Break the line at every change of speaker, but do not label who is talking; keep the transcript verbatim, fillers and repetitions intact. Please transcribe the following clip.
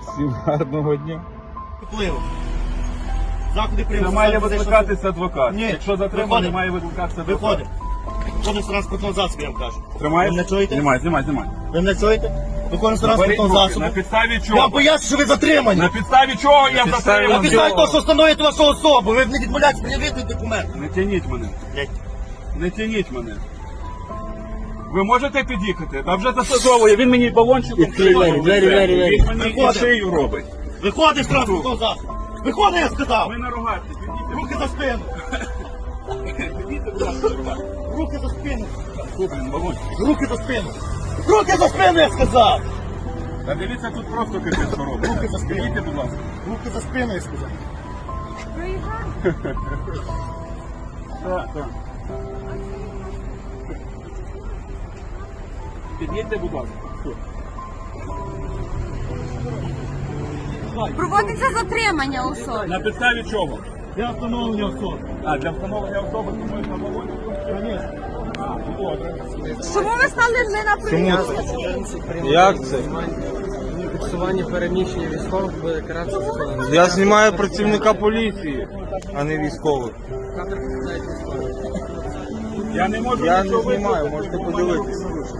Всім гарного дня.
Впливу. Заходи
Не
прийму.
має викликатися адвокат.
Ні.
Якщо затриманий,
Виходить.
має викликатися адвокат.
Виходить. Виходить з транспортного засобу, я вам кажу.
Тримаєш?
Ви мене чуєте?
Знімай, знімай, знімай.
Ви мене чуєте? Виходить з
Беріть
транспортного
руки.
засобу.
На підставі
Я
чого?
боюсь, що ви затримані.
На підставі чого я
На
затриманий?
підставі того, що встановлюєте вашу особу. Ви не відмовляєтесь пред'явити документ.
Не тяніть мене. Не тяніть мене. Ви можете під'їхати? Та вже засадовує. Він мені балончиком
Відкрий двері,
робить.
двері, двері, двері.
Він мені і
Виходить.
шию робить.
Виходить з транспортного засобу. Виходить, я сказав.
Ми на рогаті. Підійдіть.
Руки за спину.
Підійдіть, будь ласка, на рогаті.
Руки за спину.
Блін, балончик.
Руки за спину. Руки за спину, я сказав.
Та дивіться, тут просто капець, що робить.
Руки за спину.
Підійдіть, будь ласка.
Руки за спину, я сказав.
Так, так. Під'їдьте, будь ласка.
Проводиться затримання особи.
На підставі чого?
Я встановлення особи.
А, для встановлення особи думаю, на балончику?
Звісно.
А, ну добре.
Чому ви стали не на приїзд?
Як це?
Фіксування переміщення військових буде каратися законом.
Я знімаю працівника поліції, а не військових.
Камери показають військових.
Я не можу
Я не
нічого
знімаю,
викликати,
можете
бо в мене
подивитися.
руки